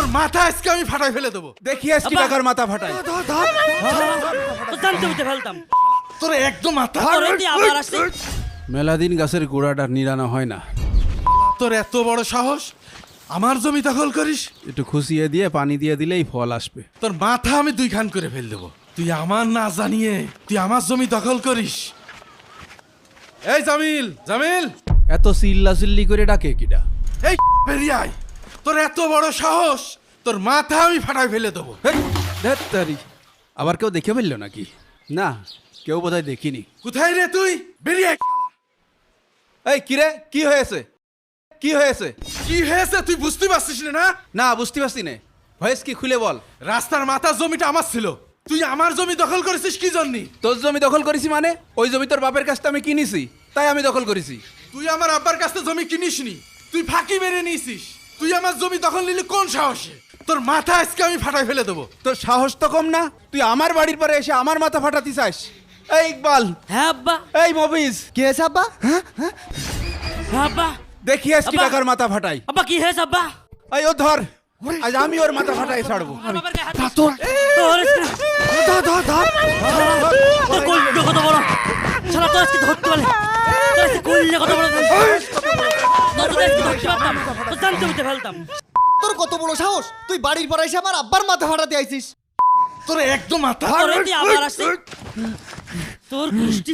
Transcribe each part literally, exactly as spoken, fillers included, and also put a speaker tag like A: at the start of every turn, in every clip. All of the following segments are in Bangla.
A: মাথা আজকে আমি ফাটাই ফেলে দেবো।
B: দেখি আজকে টাকার মাথা ফাটাই।
C: জানতে বুঝতে ফেলতাম
A: তোর একদম মাথা।
C: আবার আসছে
B: মেলাদিন গাছের গোড়াটা নিরানো হয় না।
A: তোর এত বড় সাহস, আমার জমি দখল করিস?
B: একটু খুশিয়ে দিয়ে পানি দিয়ে দিলেই ফল আসবে।
A: তোর মাথা আমি দুই খান করে ফেল দেবো। তুই আমার না জানিয়ে তুই আমার জমি দখল করিস? এই জামিল, জামিল,
B: এত চিল্লা চিল্লি করে ডাকে কিডা?
A: এই বেরিয়ে আয়। তোর এত বড় সাহস, তোর মাথা আমি ফাটাই ফেলে দেবো।
B: ধ্যাত্তারি, আবার কেউ দেখে ফেললো নাকি? না, কেউ বোধহয় দেখিনি।
A: কোথায় রে তুই? বেরিয়ে আয়।
B: এই কিরে, কি হয়েছে? কি হয়েছে?
A: কি হয়েছে তুই বুঝতে পারছিস না? না
B: না বুঝতে পারছি না। ভয়েস কি খুলে বল।
A: রাস্তার মাথার জমিটা আমার ছিল, তুই আমার জমি দখল করেছিস কি জন্য?
B: তোর জমি দখল করেছি মানে? ওই জমি তোর বাপের কাছ থেকে আমি কিনেছি, তাই আমি দখল করেছি।
A: তুই আমার আব্বার কাছ থেকে জমি কিনিসনি, তুই ফাঁকি মেরে নিয়েছিস। তুই আমার জমি দখল নিলি কোন সাহসে? তোর মাথা আজকে আমি ফাটাই ফেলে দেবো।
B: তোর সাহস তো কম না, তুই আমার বাড়ির পরে এসে আমার মাথা ফাটাতে চাস? এই ইকবাল,
C: হ্যাঁ আব্বা,
B: এই মবিজ,
D: কে হয়েছে আব্বা?
C: হ্যাঁ আব্বা,
B: দেখি আজকে
C: আব্বা।
B: টাকার মাথা ফাটাই।
C: আব্বা কি হয়েছে আব্বা?
B: এই ও ধর, আজ আমি ওর মাথা ফাটাই ছাড়বো।
C: আমার বাবার গায়ে হাত দিস।
D: তোর
C: তোর
D: ধর ধর ধর
C: তোর কইলে কত বড় শালা, তোর আজকে ধরতে পারলে তোর আজকে কইলে কত বড় তোর আজকে ধরতে পারতাম, তোর জানতে বুঝতে ফেলতাম।
D: তোর কত বড় সাহস, তুই বাড়ির পর এসে আমার আব্বার মাথা ফাটাতে আইছিস?
A: তোর একদম মাথা।
C: তোর এতে আবার আসছে তোর কুষ্টি।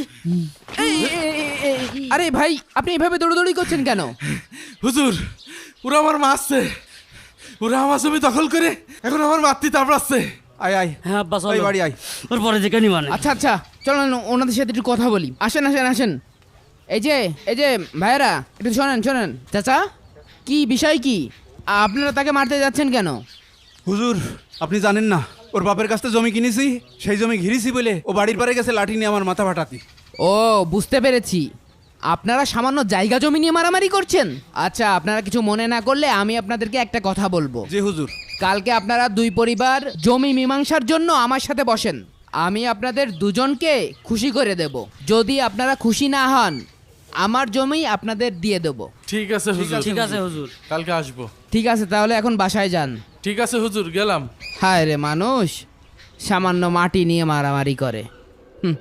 E: আরে ভাই, আপনি এভাবে দৌড়দৌড়ি করছেন কেন?
A: হুজুর, ওরা আমার মারছে, ওরা আমার জমি দখল করে এখন আমার মাতৃ তাপড়াচ্ছে।
B: আয় আয়,
C: হ্যাঁ আব্বা
B: ওই
C: চলো,
B: বাড়ি আয়।
C: ওর পরে যে কেনি মানে।
E: আচ্ছা আচ্ছা, চলেন ওনাদের সাথে একটু কথা বলি। আসেন আসেন আসেন। এই যে এই যে ভাইয়েরা, একটু শোনেন শোনেন। চাচা, কি বিষয় কি? আপনারা তাকে মারতে যাচ্ছেন কেন?
B: হুজুর, আপনি জানেন না, ওর বাপের কাছ থেকে জমি কিনেছি, সেই জমি ঘিরেছি বলে ও বাড়ির পারে গেছে লাঠি নিয়ে আমার মাথা ফাটাতি।
E: ও বুঝতে পেরেছি, আপনারা সামান্য জায়গা জমি নিয়ে মারামারি করছেন। আচ্ছা, আপনারা কিছু মনে না করলে আমি আপনাদেরকে একটা কথা বলবো।
B: জি হুজুর।
E: কালকে আপনারা দুই পরিবার জমি মীমাংসার জন্য আমার সাথে বসেন। আমি আপনাদের দুজনকে খুশি করে দেব। যদি আপনারা খুশি না হন, আমার জমি আপনাদের দিয়ে দেব।
A: ঠিক আছে হুজুর,
C: ঠিক আছে হুজুর।
A: কালকে আসবো।
E: ঠিক আছে, তাহলে এখন বাসায় যান।
A: ঠিক আছে হুজুর, গেলাম।
E: হায় রে মানুষ, সামান্য মাটি নিয়ে মারামারি করে। হুম।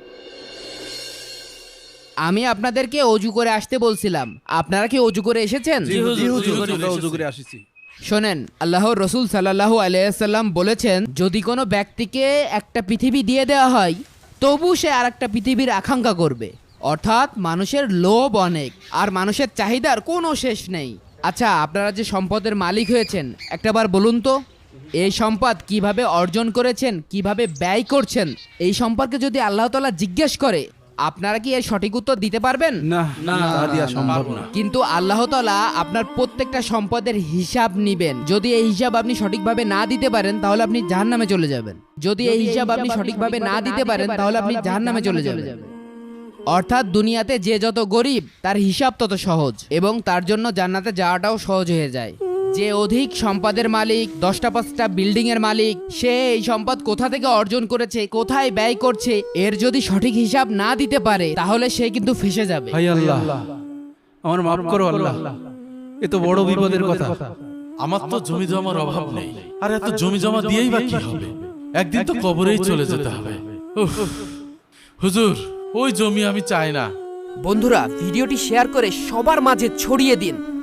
E: আমি আপনাদেরকে অজু করে আসতে বলছিলাম, আপনারা কি অজু করে এসেছেন?
B: জি হুজুর,
A: হুজুর,
B: আমরা ওযু করে আসিছি।
E: শোনেন, আল্লাহর রসুল সাল্লাল্লাহু আলাইহি সাল্লাম বলেছেন, যদি কোনো ব্যক্তিকে একটা পৃথিবী দিয়ে দেওয়া হয়, তবু সে আর একটা পৃথিবীর আকাঙ্ক্ষা করবে। অর্থাৎ মানুষের লোভ অনেক, আর মানুষের চাহিদার কোনো শেষ নেই। আচ্ছা, আপনারা যে সম্পদের মালিক হয়েছেন, একটাবার বলুন তো, এই সম্পদ কিভাবে অর্জন করেছেন, কিভাবে ব্যয় করছেন, এই সম্পর্কে যদি আল্লাহ তাআলা জিজ্ঞেস করে, আপনারা কি এর সঠিক উত্তর দিতে পারবেন?
B: না না, তা দিয়া সম্ভব না।
E: কিন্তু আল্লাহ তাআলা আপনার প্রত্যেকটা সম্পদের হিসাব নিবেন। যদি এই হিসাব আপনি সঠিকভাবে না দিতে পারেন, তাহলে আপনি জাহান্নামে চলে যাবেন। যদি এই হিসাব আপনি সঠিকভাবে না দিতে পারেন, তাহলে আপনি জাহান্নামে চলে যাবেন। অর্থাৎ দুনিয়াতে যে যত গরিব, তার হিসাব তত সহজ, এবং তার জন্য জান্নাতে যাওয়াটাও সহজ হয়ে যায়। যে অধিক সম্পদের মালিক, দশটা পাঁচটা বিল্ডিং এর মালিক, সে এই সম্পদ কোথা থেকে অর্জন করেছে, কোথায় ব্যয় করছে, এর যদি সঠিক হিসাব না দিতে পারে, তাহলে সে কিন্তু ফেঁসে যাবে।
B: হাই আল্লাহ, আমার মাফ করো আল্লাহ, এ তো বড় বিপদের কথা।
A: আমার তো জমি জমার অভাব নেই, আর এত জমি জমা দিয়েই বা কি হবে? একদিন তো কবরেই চলে যেতে হবে। উফ, হুজুর, ওই জমি আমি চাই না।
F: বন্ধুরা, ভিডিওটি শেয়ার করে সবার মাঝে ছড়িয়ে দিন।